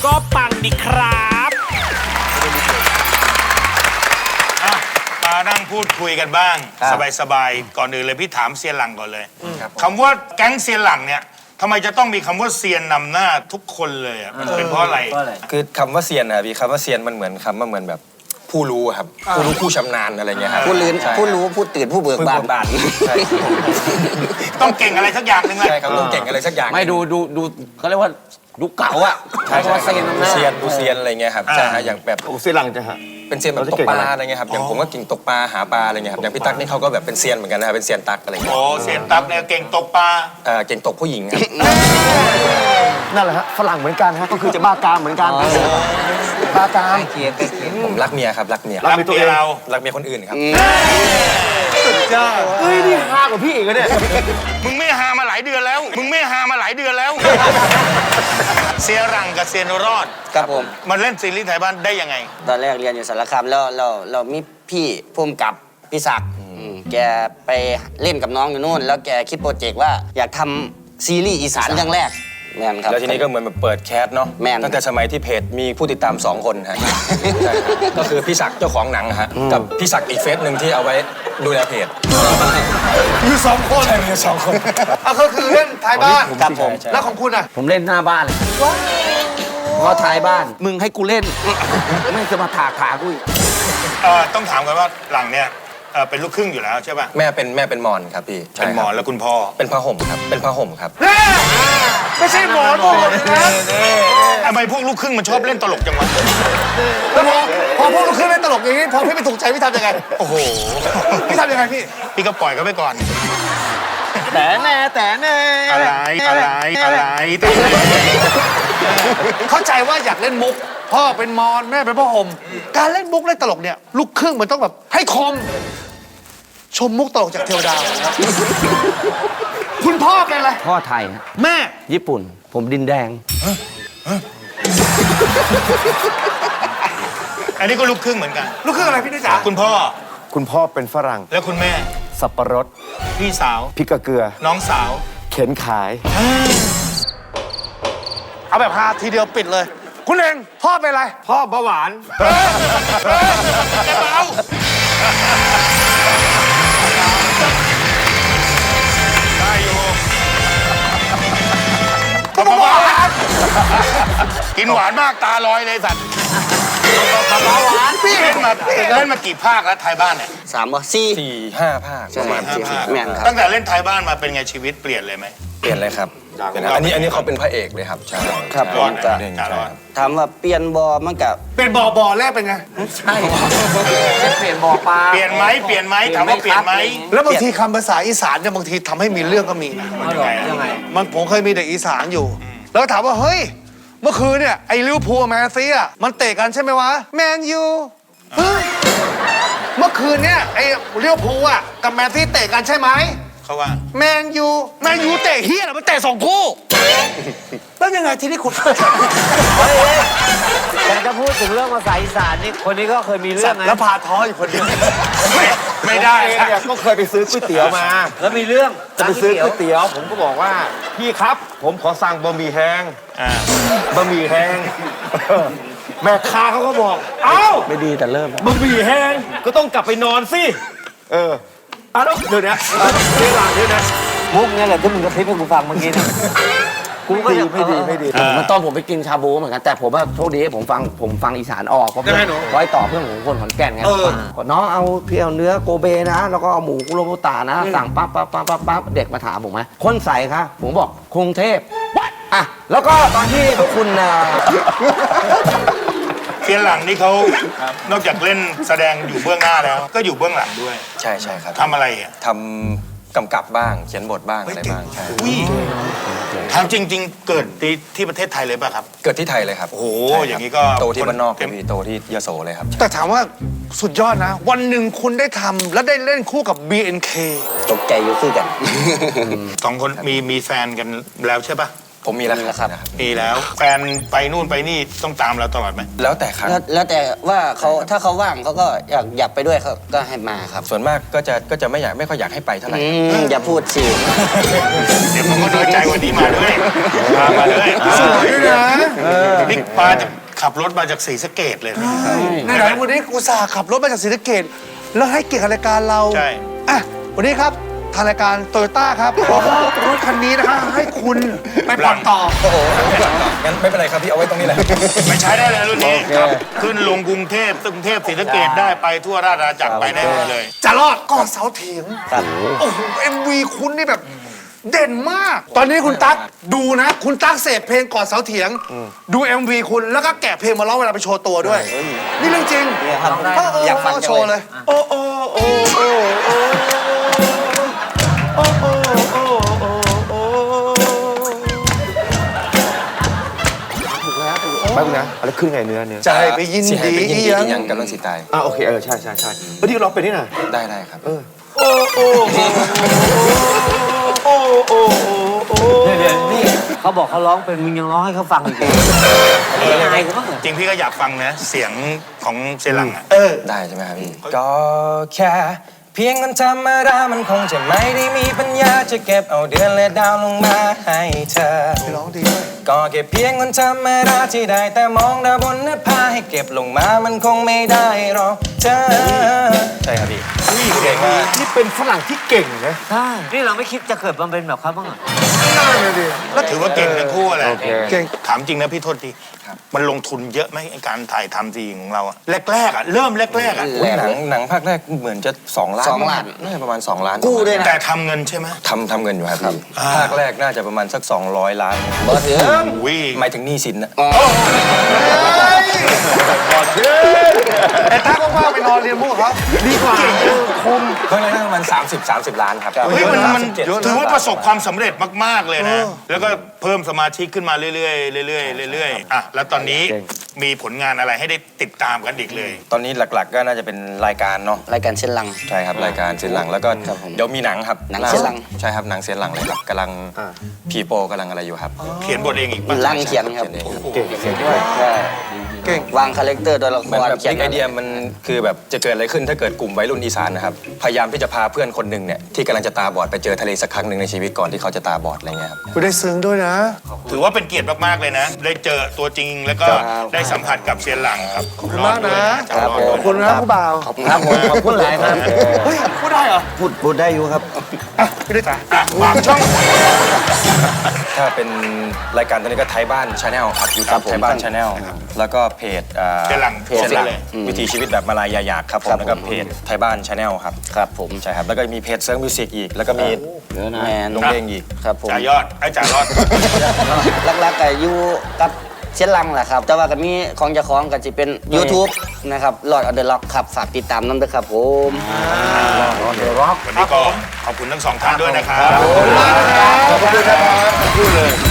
ก็ปังดีครับมานั่งพูดคุยกันบ้างสบายๆก่อนอื่นเลยพี่ถามเซียนหลังก่อนเลยคำว่าแก๊งเซียนหลังเนี่ยทำไมจะต้องมีคำว่าเซียนนำหน้าทุกคนเลยอ่ะมันเป็นเพราะอะไรคือคำว่าเซียนนะพี่คำว่าเซียนมันเหมือนคำว่าเหมือนแบบผู้รู้ครับผู้รู้ผู้ชำนาญอะไรเงี้ยครับผู้รู้ผู้ตื่นผู้เบิกบานใช่ต้องเก่งอะไรสักอย่างหนึ่งเลยใช่ครับต้องเก่งอะไรสักอย่างไม่ดูเขาเรียกว่าดูเก่าอ่ะใช่เซียนดูเซียนอะไรเงี้ยครับใช่อย่างแบบเซียนหลังจะฮะเป็นเซียนแบบตกปลาอะไรเงี้ยครับอย่างผมก็เก่งตกปลาหาปลาอะไรเงี้ยครับอย่างพี่ตั๊กนี่เขาก็แบบเป็นเซียนเหมือนกันนะครับเป็นเซียนตั๊กอะไรเงี้ยโอ้เซียนตั๊กเนี่ยเก่งตกปลาเก่งตกผู้หญิงครับนั่นแหละฮะฝรั่งเหมือนกันฮะก็คือจะบ้ากามเหมือนกันบ้ากามผมรักเมียครับรักเมียรักเมียเรารักเมียคนอื่นครับสุดยอดเฮ้ยนี่ฮากว่าพี่อีกเนี่ยมึงไม่ฮามาหลายเดือนแล้วเซียหลังกับเซียนรอดครับผมมันเล่นซีรีส์ไทยบ้านได้ยังไงตอนแรกเรียนอยู่สารคามแล้วเรามีพี่พุ่มกับพี่ศักดิ์แกไปเล่นกับน้องอยู่นู่นแล้วแกคิดโปรเจกต์ว่าอยากทำซีรีส์อีสานเรื่องแรกแมนครับแล้วทีนี้ก็เหมือนแบบเปิดแคสเนาะตั้งแต่สมัยที่เพจมีผู้ติดตาม2 คนฮะก็คือพี่ศักดิ์เจ้าของหนังฮะกับพี่ศักดิ์อีกเฟซหนึ่งที่เอาไว้ดูแลเพจอยู่2 คนใช่มี2 คนก็คือเล่นท้ายบ้านครับผมแล้วของคุณอ่ะผมเล่นหน้าบ้านเลยเพราะท้ายบ้านมึงให้กูเล่นไม่จะมาถากขากูอีกต้องถามกันว่าหลังเนี่ยเป็นลูกครึ่งอยู่แล้วใช่ป่ะแม่เป็นมอญครับพี่เป็นมอญแล้วคุณพ่อเป็นผ้าห่มครับเป็นผ้าห่มครับไม่ใช่หมอนนะทำไมพวกลูกครึ่งมันชอบเล่นตลกจังวะแล้วพอพวกลูกครึ่งเล่นตลกอย่างนี้พอพี่ไม่ถูกใจพี่ทำยังไงโอ้โหพี่ทำยังไงพี่ก็ปล่อยเขาไปก่อนแต่แน่อะไรเข้าใจว่าอยากเล่นมุกพ่อเป็นมอญแม่เป็นพ่อห่มการเล่นมุกเล่นตลกเนี่ยลูกครึ่งมันต้องแบบให้คมชมมุกตลกจากเทวดาคุณพ่อเป็นอะไรพ่อไทยแม่ญี่ปุ่นผมดินแดงอันนี้ก็ลูกครึ่งเหมือนกันลูกครึ่งอะไรพี่นิจ๋าคุณพ่อเป็นฝรั่งแล้วคุณแม่สับปะรดพี่สาวพริกกระเกลือน้องสาวเข็นขายเอาแบบฮาทีเดียวปิดเลยคุณเองพ่อเป็นอะไรพ่อเบาหวานแกเบาได้อยู่ก็เบาหวานกินหวานมากตาลอยเลยสัตว์เบาหวานพี่เล่นมากี่ภาคแล้วไทยบ้านเนี่ย 3 ว่า4 5 ภาคประมาณแม่นครับตั้งแต่เล่นไทยบ้านมาเป็นไงชีวิตเปลี่ยนเลยไหมเปลี่ยนเลยครับอันนี้เขาเป็นพระเอกเลยครับใช่ครับถามว่าเปลี่ยนบอมันกับเป็นบ่อแรกเป็นไงใช่เปลี่ยนบ่อปลาเปลี่ยนไหมถามว่าเปลี่ยนไหมแล้วบางทีคำภาษาอีสานเนี่ยบางทีทำให้มีเรื่องก็มีนะยังไงมันผมเคยมีเด็กอีสานอยู่แล้วถามว่าเฮ้ยเมื่อคืนเนี่ยไอ้ลิเวอร์พูลแมนซีอ่ะมันเตะกันใช่ไหมวะแมนยูเมื่อคืนเนี่ยไอ้ลิเวอร์พูลอ่ะกับแมนซีเตะกันใช่ไหมเขาว่าแมนยูเตะเฮียมันเตะ2 คู่แล้วยังไงที่นี่คุณอยากจะพูดถึงเรื่องภาษาอีสานนี่คนนี้ก็เคยมีเรื่องนะแล้วพาท้ออยู่คนเดียวไม่ได้ก็เคยไปซื้อก๋วยเตี๋ยวมาแล้วมีเรื่องจะไปซื้อก๋วยเตี๋ยวผมก็บอกว่าพี่ครับผมขอสั่งบะหมี่แห้งแม่ค้าเขาก็บอกเอ้าไม่ดีแต่เริ่มบะหมี่แห้งก็ต้องกลับไปนอนสิแล้วเดี๋ยวนี้เดี๋ยวนะมุกเนี่ยแหละที่มึงกระพริบให้กูฟังเมื่อกี้นะกูก็ไม่ดีมันตอนผมไปกินชาบูเหมือนกันแต่ผมว่าโชคดีผมฟังอีสานออกเพราะร้อยต่อเพื่อนของคนขอนแก่นไงน้องเอาพี่เอาเนื้อโกเบนะแล้วก็เอาหมูคุโรบุตะนะสั่งปั๊บเด็กมาถามผมไหมคนใส่ครับผมบอกกรุงเทพอ่ะแล้วก็ตอนที่คุณเซียนหลังนี่เขานอกจากเล่นแสดงอยู่เบื้องหน้าแล้วก็อยู่เบื้องหลังด้วยใช่ครับทำอะไรอ่ะทำกำกับบ้างเขียนบทบ้างอะไรบ้างใช่ถามจริงๆเกิดที่ประเทศไทยเลยป่ะครับเกิดที่ไทยเลยครับโอ้โหอย่างนี้ก็โตที่บ้านนอกพี่โตที่ยโสเลยครับแต่ถามว่าสุดยอดนะวันหนึ่งคุณได้ทำและได้เล่นคู่กับ BNK ตกใจอยู่คือกัน 2 คนมีแฟนกันแล้วใช่ป่ะผมมีแล้วมีแล้วคครัรับ บมีแล้วแฟนไปนู่นไปนี่ต้องตามเราตลอดไหมแล้วแต่ครั้งแล้วแต่ว่าเขาถ้าเขาว่างเขาก็อยากไปด้วยเขาก็ให้มาครับส่วนมากก็จะไม่ค่อยอยากให้ไปเท่าไหร่อย่าพูดสิเดี๋ยวผมก็น้อยใจวันนี้มาด้วยมาด้วยสวยด้วยนะนี่ปาจะขับรถมาจากศรีสะเกษเลยนะในไหนวันนี้กูสาห์ขับรถมาจากศรีสะเกษแล้วให้เกียรติรายการเราใช่อ่ะวันนี้ครับทางรายการโตโยต้าครับขอมอบรถคันนี้นะคะให้คุณไปผ่อนต่อโอ้โหงั้นไม่เป็นไรครับพี่เอาไว้ตรงนี้แหละไม่ใช้ได้เลยรุ่นนี้ครับขึ้นลงกรุงเทพกรุงเทพศรีสะเกษได้ไปทั่วราชอาณาจักรไปได้หมดเลยจะรอดก่อนเสาเถียงโอ้โห MV คุณนี่แบบเด่นมาก ตอนนี้คุณตั๊กดูนะ คุณตั๊กเสพเพลงก่อนเสาเถียง ดู MV คุณแล้วก็แกะเพลงมาร้องเวลาไปโชว์ตัวด้วย นี่เรื่องจริงอยากฟังจังโชว์เลยโอ้โอ้โอ้โอ้โอ้โอ้โอ้โอ้โอ้แป๊บนึงนะอะไรขึ้นไงเนื้อใจไปยินสิให้ดีไปยินดีอีหยังอีหยังกำลังสิตายโอเคใช่ที่เราเป็นนี่นะได้ครับนี่เขาบอกเขาร้องเป็นมึงยังร้องให้เขาฟังอีกเลยอายเขาบ้างเหรอจริงพี่ก็อยากฟังนะ เสียงของเซรังอ่ะได้ใช่ไหมครับพี่ก็แค่เพียงคนธรรมดามันคงจะไม่ได้มีปัญญาจะเก็บเอาเดือนและดาวลงมาให้เธอร้องดีด้วยก็แค่เพียงคนธรรมดาที่ได้แต่มองดาวบนหน้าผาให้เก็บลงมามันคงไม่ได้หรอกเธอใช่ครับพี่เก่งมากนี่เป็นฝรั่งที่เก่งนะใช่นี่เราไม่คิดจะเกิดมาเป็นแบบเขาบ้างเหรอแล้วถือว่าเก่งทั้งคู่แหละเก่งถามจริงนะพี่โทษทีมันลงทุนเยอะไหมไอ้การถ่ายทำทีของเราอะแรกๆอะเริ่มแรกๆอะอุ๊ยหนังภาคแรกเหมือนจะ2 ล้าน 2 ล้านน่าจะประมาณ2 ล้านกู้ด้วยนะแต่ทำเงินใช่ไหมทำเงินอยู่ครับพี่ภาคแรกน่าจะประมาณสัก200 ล้านบอสเถื่อนอุ้ยหมายถึงหนี้สินนะแต่ถ้าว่างๆไปนอนเรียนพวกเขาดีกว่าภาคแรกน่าจะประมาณ30 ล้านครับเฮ้ยมัน 37 ถือว่าประสบความสำเร็จมากๆเลยนะ แล้วก็เพิ่มสมาชิกขึ้นมาเรื่อยๆเรื่อยๆเรื่อยๆอ่ะแล้วตอนนี้มีผลงานอะไรให้ได้ติดตามกันอีกเลยตอนนี้หลักๆก็น่าจะเป็นรายการเนาะรายการเช่นลังใช่ครับรายการเสียนหลังแล้วก็ครับผมเดี๋ยวมีหนังครับหนังเสียนหลังใช่ครับหนังเสียนหลังเลยครับกำลังผีโปกำลังอะไรอยู่ครับเขียนบทเองอีกป่ะลังเขียนครับเองครับเก่งใช่เก่งวางคาแรคเตอร์ตัวละคเหมือนรแบบเขียนไอเดียมันคือแบบจะเกิดอะไรขึ้นถ้าเกิดกลุ่มวัยรุ่นอีสานนะครับพยายามที่จะพาเพื่อนคนหนึ่งเนี่ยที่กำลังจะตาบอดไปเจอทะเลสักครั้งหนึ่งในชีวิตก่อนที่เขาจะตาบอดอะไรเงี้ยครับคุณได้ซึ้งด้วยนะถือว่าเป็นเกียรติมากๆเลยนะ ได้เจอตัวจริงแล้วก็ได้สัมผัสกับเซียนหลังครับขอบคุณมากนะครับขอบคุณนะผู้บ่าวขอบคุณครับผมขอบคุณหลายครับเฮ้ยพูดได้เหรอพูดได้อยู่ครับอ่ะพี่ได้จ้ะฝากช่องถ้าเป็นรายการตอนนี้ก็ไทยบ้านชาแนลครับอยู่ครักับบ ผมไทยบ้านชาแนลแล้วก็เพจเซียนหลังเซียนหลังเลยวิถีชีวิตแบบมาลายาอยากครับผมแล้วก็เพจไทยบ้านชาแนลครับครับผมใช่ครับแล้วก็มีเพจเซิร์ฟมิวสิกอีกแล้วก็มีแมนลงเพลงอีกครับผมจ่ายอดไอ้จ่ายอดหลักๆก็อยู่กับเช่นลังแหละครับ แต่ว่าก็มีของเจ้าของก็จะเป็น YouTube นะครับ Lord of the Rock ครับ ฝากติดตามน้ำด้วยครับผมวันนี้ก็ขอบคุณทั้งสองท่านด้วยนะครับขอบคุณมากนะครับขอบคุณครับ